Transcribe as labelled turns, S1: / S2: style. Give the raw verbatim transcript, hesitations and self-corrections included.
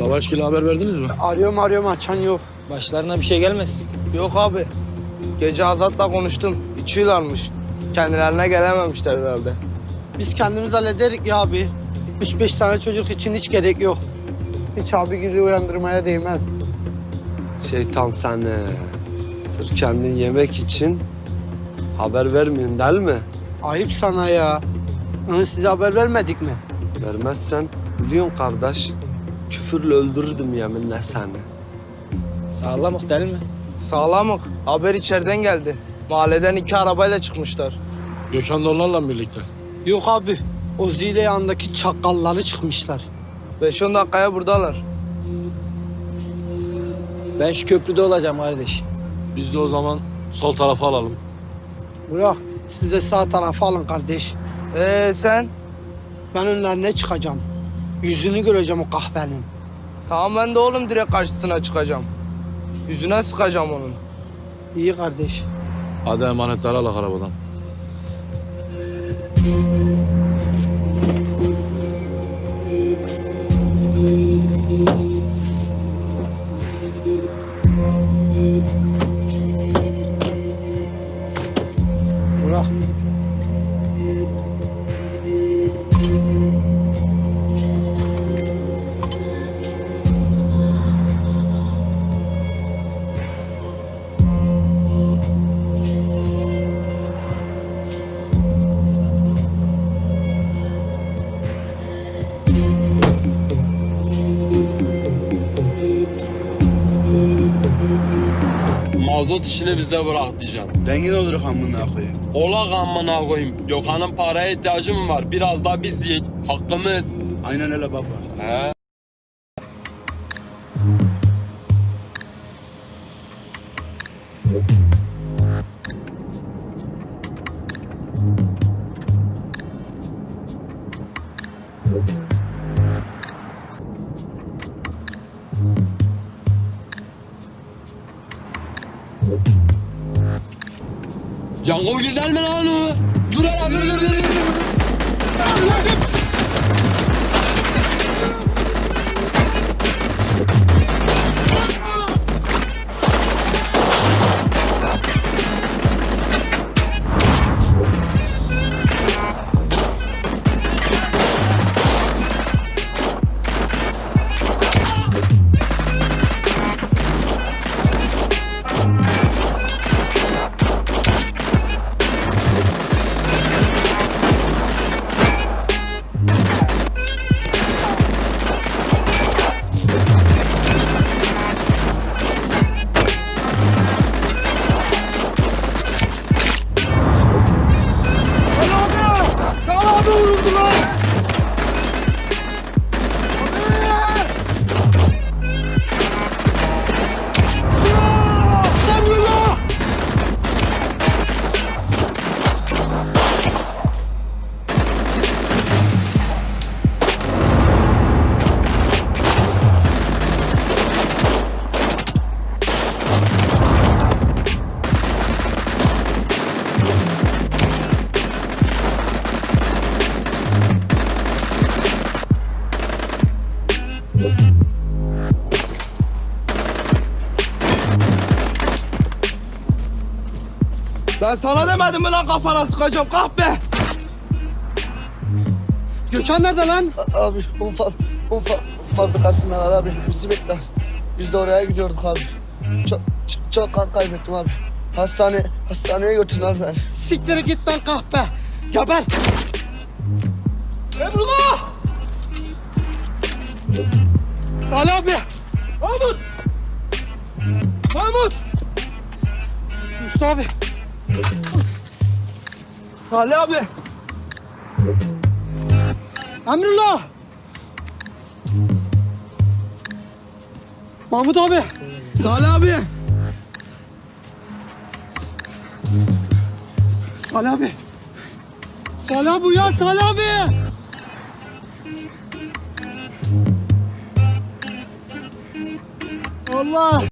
S1: Savaşgil'e haber verdiniz mi?
S2: Arıyorum arıyorum açan yok.
S3: Başlarına bir şey gelmez.
S4: Yok abi. Gece Azat'la konuştum. İçiyorlarmış. Kendilerine gelememişler herhalde.
S2: Biz kendimiz hallederik ya abi. Üç beş tane çocuk için hiç gerek yok. Hiç abi gibi uyandırmaya değmez.
S5: Şeytan seni. Sırf kendin yemek için haber vermiyorsun değil mi?
S2: Ayıp sana ya. Onu size haber vermedik mi?
S5: Vermezsen biliyorsun kardeş, küfürle öldürürdüm yeminle seni.
S3: Sağlamık değil mi?
S4: Sağlamık. Haber içeriden geldi. Mahalleden iki arabayla çıkmışlar.
S1: Gökhan da onlarla birlikte.
S2: Yok abi. O zile yanındaki çakalları çıkmışlar.
S4: Beş on dakikaya buradalar.
S3: Ben şu köprüde olacağım kardeş.
S1: Biz de o zaman sol tarafa alalım.
S2: Bırak. Siz de sağ tarafa alın kardeş.
S4: Ee sen?
S2: Ben önlerine çıkacağım. Yüzünü göreceğim o kahvenin.
S4: Tamam ben de oğlum direkt karşısına çıkacağım. Yüzüne sıkacağım onun.
S2: İyi kardeş.
S1: Hadi emanetleri alak arabadan.
S2: Bırak.
S6: Mazot işini bize bırak diyeceğim.
S7: Dengin olur amına koyayım.
S6: Ola amına koyayım. Gökhan'ın paraya ihtiyacı mı var? Biraz da biz yiyin. Hakkımız.
S7: Aynen öyle baba.
S6: He. Yango güzel mi lan o? Dur hele dur dur dur. dur.
S4: Ben sana demedim mi lan kafana sıkacağım kahpe?
S2: Gökhan nerede lan?
S5: Abi un, fa un fa fabrikasındalar abi, bizi bekler. Biz de oraya gidiyorduk abi. Çok, çok, çok kan kaybettim abi. Hastane, hastaneye götürdüler beni.
S2: Siktir git lan kahpe. Geber.
S4: Emrullah!
S2: Salih abi.
S4: Mahmut! Mahmut!
S2: Mustafa abi.
S4: Salih abi!
S2: Emrullah. Mahmut abi.
S4: Salih abi!
S2: Salih abi. Salih abi uyan Salih abi. Allah.